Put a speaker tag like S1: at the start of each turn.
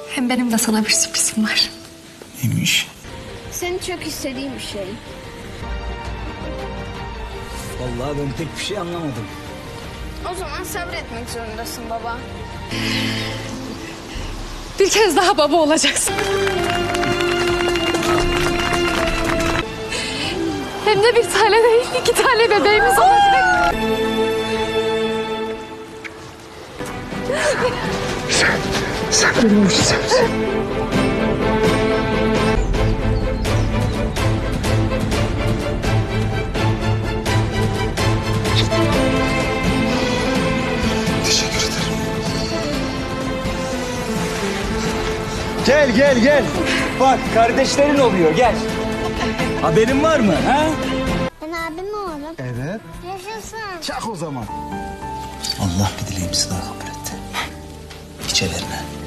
S1: Hem benim de sana bir sürprizim var.
S2: Neymiş?
S3: Senin çok istediğin bir şey.
S2: Vallahi ben pek bir şey anlamadım.
S3: O zaman sabretmek zorundasın baba.
S1: Bir kez daha baba olacaksın. Hem de bir tane değil, 2 tane bebeğimiz olacak.
S2: Sen benim mucizemsin. Teşekkür ederim. Gel. Bak kardeşlerin oluyor gel. Haberin var mı ha?
S3: Ben abim oğlum.
S2: Evet.
S3: Yaşasın.
S2: Çak o zaman. Allah bir dileğimizi daha kabul etti. İç ellerine.